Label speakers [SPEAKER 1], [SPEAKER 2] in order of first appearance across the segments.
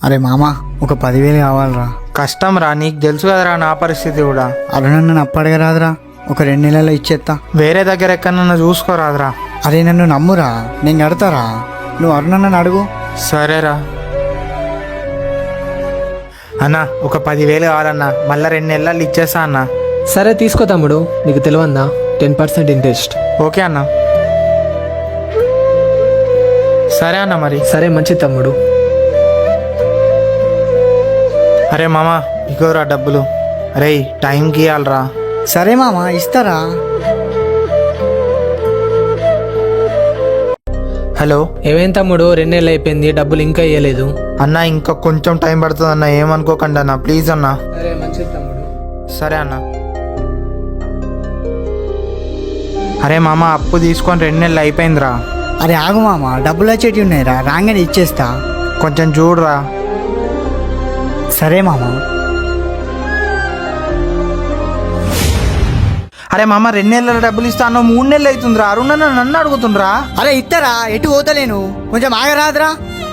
[SPEAKER 1] అరే మామ ఒక 10,000 కావాలరా.
[SPEAKER 2] కష్టం రా, నీకు తెలుసు కదరా నా పరిస్థితి కూడా.
[SPEAKER 1] అరే నన్ను అప్పడగరాదురా, ఒక 2 నెలల్లో ఇచ్చేస్తా.
[SPEAKER 2] వేరే దగ్గర ఎక్కడన్నా చూసుకోరాదురా.
[SPEAKER 1] అరే నన్ను నమ్మురా, నేను కడతారా. నువ్వు అరుణన్నని అడుగు.
[SPEAKER 2] సరేరా అన్న, ఒక 10,000 కావాలన్నా, మళ్ళీ 2 నెలలు ఇచ్చేస్తా అన్న.
[SPEAKER 3] సరే తీసుకో తమ్ముడు, నీకు తెలియదా 10% ఇంట్రెస్ట్.
[SPEAKER 2] ఓకే అన్న. సరే అన్న మరి.
[SPEAKER 3] సరే మంచిది తమ్ముడు.
[SPEAKER 2] అరే మామ, ఇగోరా డబ్బులు. అరే టైంకి ఇవ్వాలరా.
[SPEAKER 1] సరే మామ ఇస్తారా.
[SPEAKER 2] హలో
[SPEAKER 3] ఏమేం తమ్ముడు, 2 నెలలు అయిపోయింది, డబ్బులు ఇంకా ఇవ్వలేదు.
[SPEAKER 2] అన్న, ఇంకా కొంచెం టైం పడుతుంది అన్న, ఏమనుకోకండి అన్న, ప్లీజ్ అన్న.
[SPEAKER 3] సరే మంచిది తమ్ముడు.
[SPEAKER 2] సరే అన్న. అరే మామ, అప్పు తీసుకొని 2 నెలలు అయిపోయిందిరా.
[SPEAKER 1] అరే ఆగు మామ, డబ్బులు వచ్చేటి ఉన్నాయిరా, రాగానే ఇచ్చేస్తా.
[SPEAKER 2] కొంచెం చూడరా.
[SPEAKER 1] సరే మామ.
[SPEAKER 2] అరే మామ, 2 నెలల డబ్బులు ఇస్తా అన్న, 3 నెలలు అవుతుందిరా. అరుణన్న నన్ను అడుగుతుండ్రా.
[SPEAKER 1] అరే ఇస్తారా, ఎటు పోతలేను, కొంచెం ఆగరాదురా.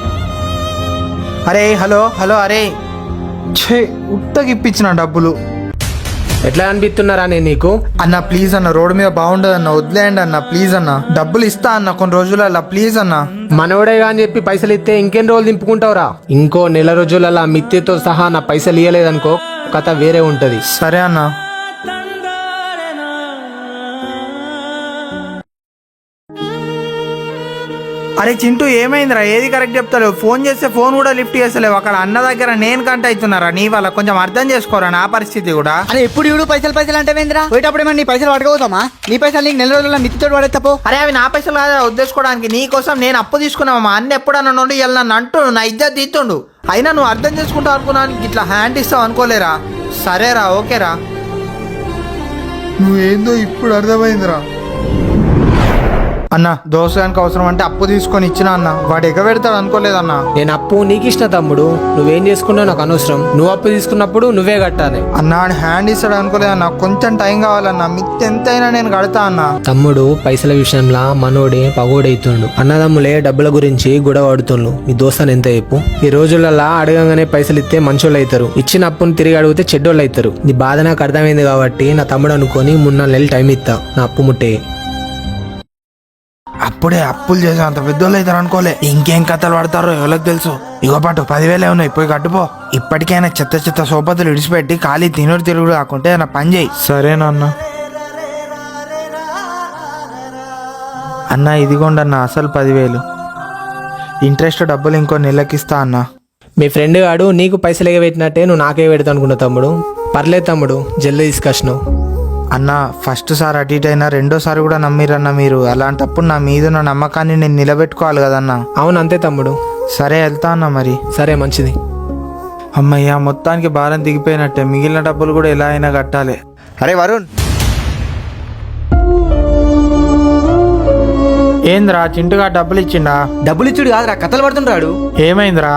[SPEAKER 2] అరే హలో హలో, అరే ఛే, ఉత్తకి ఇప్పించిన డబ్బులు.
[SPEAKER 3] ఎట్లా అనిపిస్తున్నారా నేను నీకు?
[SPEAKER 2] అన్న ప్లీజ్ అన్న, రోడ్డు మీద బాగుండదు అన్న, వదిలేయండి అన్న ప్లీజ్ అన్న. డబ్బులు ఇస్తా అన్న కొన్ని రోజులలో, ప్లీజ్ అన్న.
[SPEAKER 3] మనోడేగా అని చెప్పి పైసలు ఇస్తే ఇంకెన్ని రోజులు దింపుకుంటావురా? ఇంకో నెల రోజులలో మిత్తితో సహా నా పైసలు ఇయ్యలేదనుకో, కథ వేరే ఉంటది.
[SPEAKER 2] సరే అన్న. అరే చింటూ, ఏమైందిరా? ఏది కరెక్ట్ చెప్తలేవు? ఫోన్ చేస్తే ఫోన్ కూడా లిఫ్ట్ చేస్తలేవు. అక్కడ అన్న దగ్గర నేను కంట అవుతున్నారా నీ వల్ల, కొంచెం అర్థం చేసుకోరా నా పరిస్థితి కూడా.
[SPEAKER 1] అరే ఎప్పుడు ఇడు పైసలు అంటే వేంద్రా, పోయేటప్పుడు ఏమన్నా నీ పైసలు పట్టుకోతామా? నీ పైసలు నీకు నెల రోజుల్లో మిత్తితో పడేస్తాపో.
[SPEAKER 2] అరే అవి నా పైసలు కాదా ఉద్దేశించుకోవడానికి, నీ కోసం నేను అప్పు తీసుకున్నావమ్మా. అన్న ఎప్పుడన్నా నుండి ఇలా నన్ను అంటుండు, నా ఇజ్జత్ తీస్తుండు. అయినా నువ్వు అర్థం చేసుకుంటావు అనుకున్నాను, ఇట్లా హ్యాండ్ ఇస్తావు అనుకోలేరా. సరేరా, ఓకేరా. నువ్వేందో ఇప్పుడు అర్థమైందిరా. అన్న, దోసగానికి అవసరం అంటే అప్పు తీసుకొని ఇచ్చిన అన్న, వాడు ఎగబెడతాడు అనుకోలేదన్నా.
[SPEAKER 3] నేను అప్పు నీకు ఇష్టం తమ్ముడు, నువ్వేం చేసుకున్నావు నాకు అనవసరం. నువ్వు అప్పు తీసుకున్నప్పుడు నువ్వే కట్టాలి.
[SPEAKER 2] అన్న హ్యాండ్ ఇస్తాడు అనుకోలేదన్నా, కొంచెం టైం కావాలన్నా, మిత్తి ఎంతైనా నేను కడతా అన్న.
[SPEAKER 3] తమ్ముడు పైసల విషయంలో మనోడే పగోడైతుండు. అన్నదమ్ములే డబ్బుల గురించి గొడవ ఆడుతుండ్రు. నీ దోస్తాను ఎంత చెప్పు? ఈ రోజులలో అడగంగానే పైసలు ఇస్తే మంచోళ్ళు అవుతారు, ఇచ్చిన అప్పును తిరిగి అడిగితే చెడ్డోళ్ళు అవుతారు. నీ బాధ నాకు అర్థమైంది కాబట్టి నా తమ్ముడు అనుకొని 3-4 నెలలు టైం ఇస్తా, నా అప్పు ముట్టే.
[SPEAKER 2] అప్పుడే అప్పులు చేసే అంత పెద్దోళ్ళు అవుతారు అనుకోలే. ఇంకేం కథలు పడతారో ఎవరికి తెలుసు. ఇగో పాటు 10,000 ఉన్నాయి, పోయి కట్టుపో. ఇప్పటికైనా చెత్త చెత్త సోపతులు ఇడిచిపెట్టి ఖాళీ తిరుగుడు కాకుంటే నా పని చేయి. సరేనా అన్న. అన్న ఇదిగోండి అన్న, అసలు 10,000 ఇంట్రెస్ట్ డబ్బులు ఇంకో నెలకిస్తా అన్న.
[SPEAKER 3] మీ ఫ్రెండ్ గాడు నీకు పైసలు ఎగబెట్టినట్టే నువ్వు నాకే పెడతా అనుకున్నావు తమ్ముడు. పర్లేదు తమ్ముడు, జల్దీ తీసుకొచ్చినావు.
[SPEAKER 2] అన్న ఫస్ట్ సారి అటు ఇటు అయినా, రెండోసారి కూడా నమ్మిరన్న మీరు. అలాంటప్పుడు నా మీద ఉన్న నమ్మకాన్ని నేను నిలబెట్టుకోవాలి కదన్నా.
[SPEAKER 3] అవును అంతే తమ్ముడు.
[SPEAKER 2] సరే వెళ్తా అన్న మరి.
[SPEAKER 3] సరే మంచిది.
[SPEAKER 2] అమ్మయ్య, మొత్తానికి భారం దిగిపోయినట్టే. మిగిలిన డబ్బులు కూడా ఎలా అయినా కట్టాలి.
[SPEAKER 4] అరే వరుణ్,
[SPEAKER 2] ఏంద్రా చింటుగా డబ్బులు ఇచ్చిండా?
[SPEAKER 4] డబ్బులు ఇచ్చుడు కాదురా, కథలు పడుతుంటాడు.
[SPEAKER 2] ఏమైందిరా?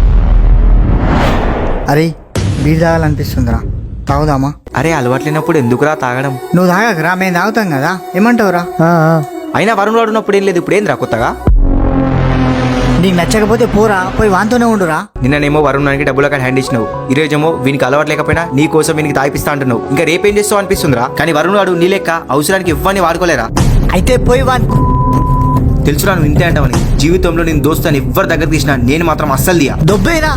[SPEAKER 1] అరే బీర్ తాగాలనిపిస్తుందిరా, తాగుదామా?
[SPEAKER 4] అరే అలవాట్లేనప్పుడు ఎందుకురా తాగడం?
[SPEAKER 1] నువ్వు తాగకరా, మేము తాగుతాం కదా, ఏమంటావురా?
[SPEAKER 4] అయినా వరుణ్ వాడున్నప్పుడు ఏం లేదు, ఇప్పుడు ఏందిరా కొత్తగా?
[SPEAKER 1] నీకు నచ్చకపోతే పోరా, పోయి వాంతోనే ఉండురా.
[SPEAKER 4] నిన్ననేమో వరుణ్ నానికి డబ్బులు అక్కడ హ్యాండ్ ఇచ్చినావు, ఈరోజేమో వీనికి అలవాటు లేకపోయినా నీ కోసం వీనికి తాగిపిస్తా అంటున్నావు. ఇంకా రేపేం చేస్తావు అనిపిస్తుందిరా. కానీ వరుణ్ వాడు నీ లెక్క అవసరానికి ఇవ్వని వాడుకోలేరా?
[SPEAKER 1] అయితే పోయి
[SPEAKER 4] తెలుసురా నువ్వు ఇంతే అంటావని. జీవితంలో నేను దోస్తాను ఎవ్వరి దగ్గర తీసినా నేను మాత్రం అస్సలు దియా.
[SPEAKER 1] దొబ్బేరా.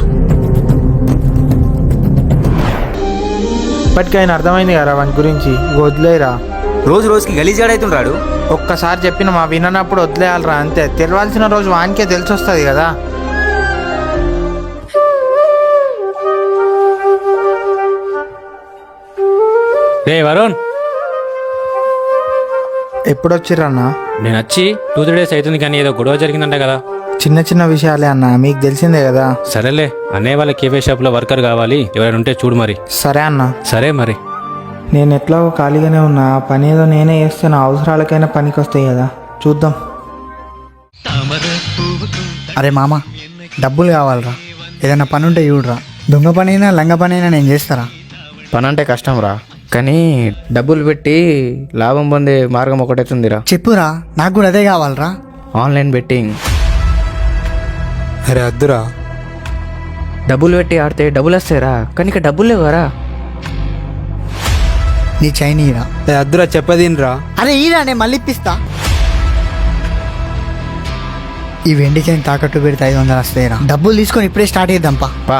[SPEAKER 2] ఇప్పటికైనా అర్థమైంది కదా వాని గురించి, వదిలేరా.
[SPEAKER 4] రోజు రోజుకి గలీజాడైతుండ్రాడు.
[SPEAKER 2] ఒక్కసారి చెప్పిన మా విననప్పుడు వదిలేయాలరా, అంతే. తెలవాల్సిన రోజు వానికే తెలిసి వస్తుంది కదా.
[SPEAKER 5] రే వరుణ్,
[SPEAKER 2] ఎప్పుడొచ్చిర్రన్నా?
[SPEAKER 5] నేను వచ్చి 2-3 డేస్ అవుతుంది, కానీ ఏదో గొడవ జరిగిందంట కదా.
[SPEAKER 2] చిన్న చిన్న విషయాలే అన్న, మీకు తెలిసిందే కదా.
[SPEAKER 5] సరేలే, అన్నయ్య వాళ్ళ కేఫే షాప్లో వర్కర్ కావాలి, ఎవరైనా ఉంటే చూడు మరి.
[SPEAKER 2] సరే అన్న.
[SPEAKER 5] సరే మరి.
[SPEAKER 2] నేను ఎట్లాగో ఖాళీగానే ఉన్నా, పని ఏదో నేనే చేస్తే నా అవసరాలకైనా పనికి వస్తాయి కదా, చూద్దాం.
[SPEAKER 1] అరే మామ, డబ్బులు కావాలరా, ఏదైనా పని ఉంటే చూడరా. దొంగ పని అయినా లంగ పని అయినా నేను చేస్తారా.
[SPEAKER 6] పని అంటే కష్టం రా, కానీ డబ్బులు పెట్టి లాభం పొందే మార్గం ఒకటైతుందిరా.
[SPEAKER 1] చెప్పురా, నాకు కూడా అదే కావాలరా.
[SPEAKER 6] Online betting.
[SPEAKER 2] అరే అద్దురా,
[SPEAKER 6] డబ్బులు పెట్టి ఆడితే డబ్బులు వస్తాయిరా, కానీ ఇక డబ్బులు లేవరా.
[SPEAKER 1] నీ చైన్ ఈరా.
[SPEAKER 7] అద్దురా చెప్పదినరా.
[SPEAKER 1] అరే ఈరా, నేను మళ్ళీ ఇప్పిస్తా. ఈ వెండి చైన్ తాకట్టు పెడితే 500 వస్తాయిరా. డబ్బులు తీసుకొని ఇప్పుడే స్టార్ట్ చేద్దాంపా.
[SPEAKER 6] పా.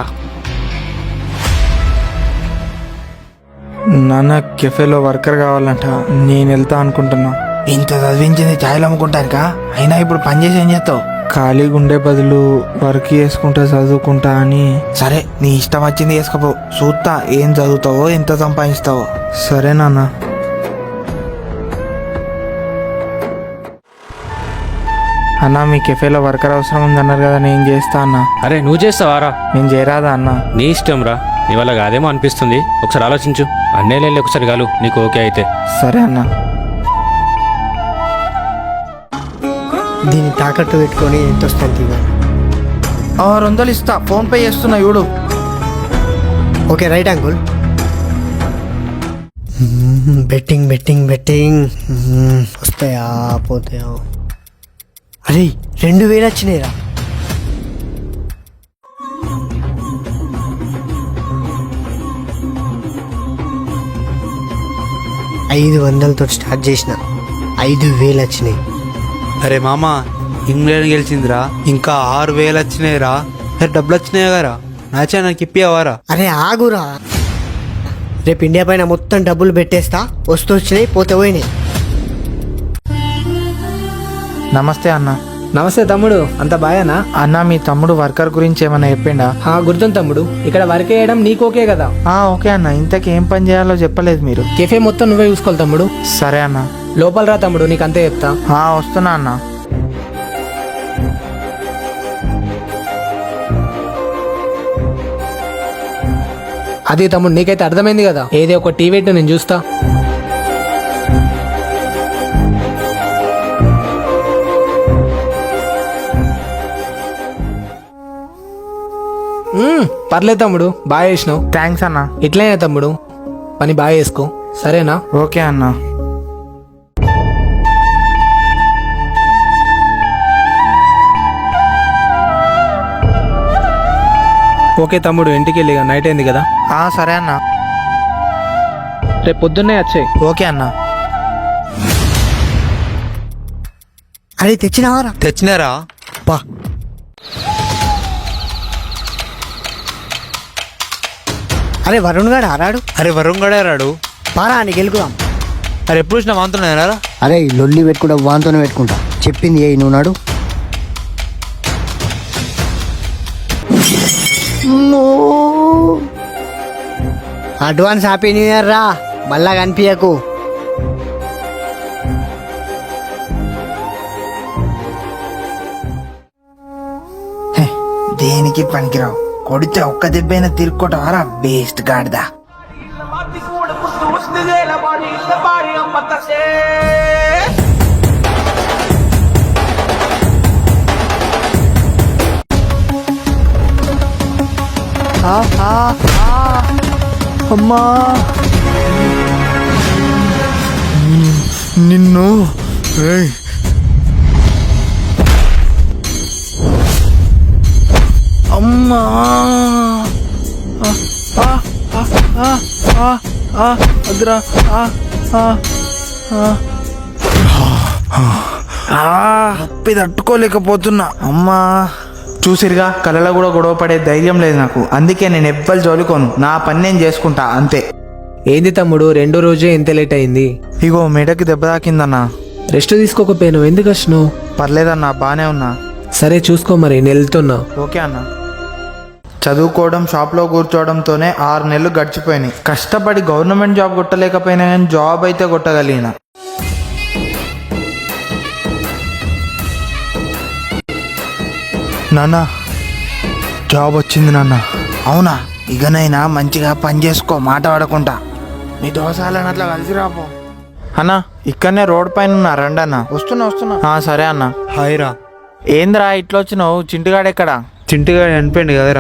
[SPEAKER 2] నాన్న కెఫేలో వర్కర్ కావాలంట, నేను వెళ్తా అనుకుంటున్నా. ఇంత చదివించింది ఛాయలు అమ్ముకుంటానుకా, అయినా ఇప్పుడు పని చేసి ఏం చేస్తావు? ఖాళీగా ఉండే బదులు వర్క్ చేసుకుంటా చదువుకుంటా అని. సరే నీ ఇష్టం వచ్చింది చేసుకోపో, చూస్తా ఏం చదువుతావో ఎంత సంపాదిస్తావో. సరే నాన్న. అన్న మీ కెఫేలో వర్కర్ అవసరం ఉందన్నారు కదా, నేను చేస్తా అన్న.
[SPEAKER 5] అరే నువ్వు చేస్తావారా?
[SPEAKER 2] నేను చేయరాదా అన్న?
[SPEAKER 5] నీ ఇష్టం రా, నీ వల్ల కాదేమో అనిపిస్తుంది. ఒకసారి ఆలోచించు. అన్నేళ్ళు ఒకసారి కాలు, నీకు ఓకే అయితే.
[SPEAKER 2] సరే అన్న.
[SPEAKER 1] దీన్ని తాకట్టు పెట్టుకొని ఎంత వస్తుంది ఇవ్వాలి.
[SPEAKER 2] 600 ఇస్తా, ఫోన్ పే చేస్తున్నా చూడు.
[SPEAKER 1] Okay right uncle. Betting betting betting. వస్తాయా పోతాయా? అరే 2000 వచ్చినాయిరా. $500తో స్టార్ట్ చేసిన, 5000 వచ్చినాయి.
[SPEAKER 7] అరే మామ, ఇంగ్లాండ్ గెలిచిందిరా, ఇంకా 6000 వచ్చినాయిరా. అరే డబ్బులు వచ్చినాయి కదరా, నాచా నాకు ఇప్పివారా?
[SPEAKER 1] అరే ఆగురా, రేపు ఇండియా పైన మొత్తం డబ్బులు పెట్టేస్తా. వస్తూ వచ్చినాయి, పోతే పోయినాయి.
[SPEAKER 2] నమస్తే అన్న.
[SPEAKER 3] నమస్తే తమ్ముడు, అంత బాగానా?
[SPEAKER 2] అన్న మీ తమ్ముడు వర్కర్ గురించి ఏమన్నా చెప్పిండా?
[SPEAKER 3] గుర్తుంది తమ్ముడు, ఇక్కడ వర్క్ చేయడం నీకు ఓకే కదా?
[SPEAKER 2] ఓకే అన్న. ఇంతకీ ఏం పని చేయాలో చెప్పలేదు మీరు.
[SPEAKER 3] కెఫే మొత్తం నువ్వే చూసుకోవాలి తమ్ముడు.
[SPEAKER 2] సరే అన్న.
[SPEAKER 3] లోపల రా తమ్ముడు, నీకు అంతే చెప్తా.
[SPEAKER 2] వస్తున్నా అన్న.
[SPEAKER 3] అది తమ్ముడు, నీకైతే అర్థమైంది కదా? ఏదో ఒక టీవీ నేను చూస్తా. పర్లేదు తమ్ముడు, బాగా చేసినావు.
[SPEAKER 2] థ్యాంక్స్ అన్న.
[SPEAKER 3] ఇట్లనే తమ్ముడు, పని బాగా చేసుకో, సరేనా?
[SPEAKER 2] ఓకే అన్న.
[SPEAKER 3] ఓకే తమ్ముడు, ఇంటికి వెళ్ళి నైట్ అయింది కదా.
[SPEAKER 2] సరే అన్న.
[SPEAKER 3] రేపు పొద్దున్నే వచ్చాయి.
[SPEAKER 2] ఓకే అన్న.
[SPEAKER 1] అరే తెచ్చినావారా?
[SPEAKER 7] తెచ్చినారా?
[SPEAKER 1] పా. అరే వరుణ్ గారు ఆరాడు.
[SPEAKER 7] అరే వరుణ్ గడే రాడు.
[SPEAKER 1] పారా నీకు గెలుకుదాం.
[SPEAKER 7] అరే ఎప్పుడు చూసినా వాంతున్నారా?
[SPEAKER 1] అరే ఈ లొల్లి పెట్టుకుంటా, వాంతోనే పెట్టుకుంటా. చెప్పింది ఏ నువ్వు నాడు. అడ్వాన్స్ హ్యాపీ న్యూ ఇయర్ రా, మళ్ళా కనిపించకు.
[SPEAKER 2] దేనికి పనికిరావు, కొడితే ఒక్క దెబ్బైనా తిరుక్కోటవారా బేస్ట్ గాడిదా. అమ్మా నిన్ను. అమ్మా అద్రా. నొప్పి తట్టుకోలేకపోతున్నా. అమ్మా చూసిరుగా, కళ్ళలో కూడా గొడవ పడే ధైర్యం లేదు నాకు. అందుకే నేను ఎవ్వరు జోలుకోను, నా పని నేను చేసుకుంటా అంతే.
[SPEAKER 3] ఏంది తమ్ముడు, రెండో రోజే ఎంత లేట్ అయింది?
[SPEAKER 2] ఇగో మెడకి దెబ్బ తాకిందన్నా.
[SPEAKER 3] రెస్ట్ తీసుకోకపోయాను, ఎందుకు వచ్చినావు?
[SPEAKER 2] పర్లేదన్నా, బానే ఉన్నా.
[SPEAKER 3] సరే చూసుకో మరి, నేను వెళ్తున్నా.
[SPEAKER 2] ఓకే అన్న. చదువుకోవడం, షాప్లో కూర్చోవడంతోనే 6 నెలలు గడిచిపోయినాయి. కష్టపడి గవర్నమెంట్ జాబ్ కొట్టలేకపోయినా కానీ జాబ్ అయితే కొట్టగలిగిన. నాన్న జాబ్ వచ్చింది నాన్న. అవునా? ఇకనైనా మంచిగా పని చేసుకో, మాట పడకుండా. నీ దోసాలని అట్లా కలిసి రాపో అన్న. ఇక్కడనే రోడ్ పైన ఉన్నా, రండి అన్న. వస్తున్నా. సరే అన్న.
[SPEAKER 7] హాయ్ రా.
[SPEAKER 2] ఏంద్రా ఇట్లా వచ్చినావు? చింటిగాడెక్కడా?
[SPEAKER 7] చింటిగా చనిపోయింది కదరా.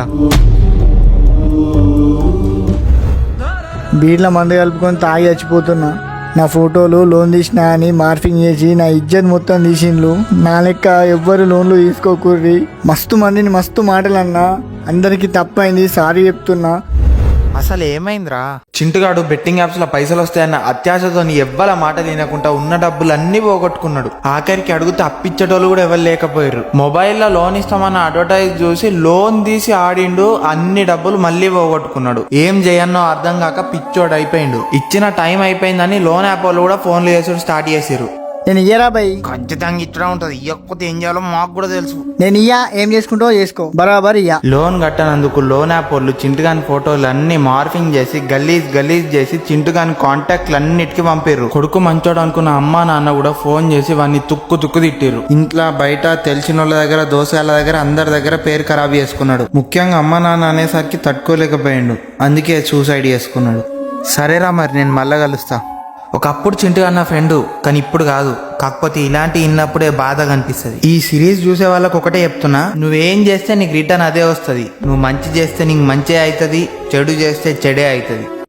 [SPEAKER 1] బీట్ల మందు కలుపుకొని తాగి చచ్చిపోతున్నా. నా ఫోటోలు లోన్ తీసినా అని మార్ఫింగ్ చేసి నా ఇజ్జత్ మొత్తం తీసిండ్లు. నా లెక్క ఎవ్వరు లోన్లు తీసుకోకూర్రి. మస్తు మందిని మస్తు మాటలు అన్నా, అందరికీ తప్పైంది, సారీ చెప్తున్నా.
[SPEAKER 2] అసలు ఏమైందిరా? చింటుగాడు బెట్టింగ్ యాప్స్ లో పైసలు వస్తాయన్న అత్యాశతో ఎవ్వల మాట తినకుండా ఉన్న డబ్బులన్నీ పోగొట్టుకున్నాడు. ఆఖరికి అడిగితే అప్పిచ్చేటోళ్ళు కూడా ఎవరు లేకపోయారు. మొబైల్లో లోన్ ఇస్తామన్న అడ్వర్టైజ్ చూసి లోన్ తీసి ఆడిండు, అన్ని డబ్బులు మళ్ళీ పోగొట్టుకున్నాడు. ఏం చేయన్నో అర్థం కాక పిచ్చోడు అయిపోయిండు. ఇచ్చిన టైం అయిపోయిందని లోన్ యాప్ వాళ్ళు కూడా ఫోన్లు చేసుడు స్టార్ట్ చేసిర్రు.
[SPEAKER 1] నేను ఇయ్యరా బై,
[SPEAKER 2] ఖచ్చితంగా ఇట్లా ఉంటది. ఇవ్వకపోతే ఏం చేయాలో మాకు కూడా తెలుసు.
[SPEAKER 1] నేను ఇయ్యా, ఏం చేసుకుంటావో చేసుకో, బరాబర్ ఇయ్యా.
[SPEAKER 2] లోన్ కట్టనందుకు లోన్ యాప్ వాళ్ళు చింటుగాని ఫోటోలు అన్ని మార్ఫింగ్ చేసి గలీజ్ చేసి చింటుగాని కాంటాక్ట్లు అన్నిటికీ పంపిర్రు. కొడుకు మంచోడు అనుకున్న అమ్మా నాన్న కూడా ఫోన్ చేసి వాడిని తుక్కు తిట్టిర్రు. ఇంట్లో బయట తెలిసిన వాళ్ళ దగ్గర, దోసగాళ్ళ దగ్గర, అందరి దగ్గర పేరు ఖరాబ్ చేసుకున్నాడు. ముఖ్యంగా అమ్మా నాన్న అనేసరికి తట్టుకోలేకపోయాడు. అందుకే సూసైడ్ చేసుకున్నాడు. సరేరా, మరి నేను మళ్ళా కలుస్తా. ఒకప్పుడు చింటుగా నా ఫ్రెండు, కానీ ఇప్పుడు కాదు. కాకపోతే ఇలాంటి ఇన్నప్పుడే బాధగా అనిపిస్తుంది. ఈ సిరీస్ చూసే వాళ్ళకి ఒకటే చెప్తున్నా, నువ్వేం చేస్తే నీకు రిటర్న్ అదే వస్తుంది. నువ్వు మంచి చేస్తే నీకు మంచి అవుతుంది, చెడు చేస్తే చెడే అవుతుంది.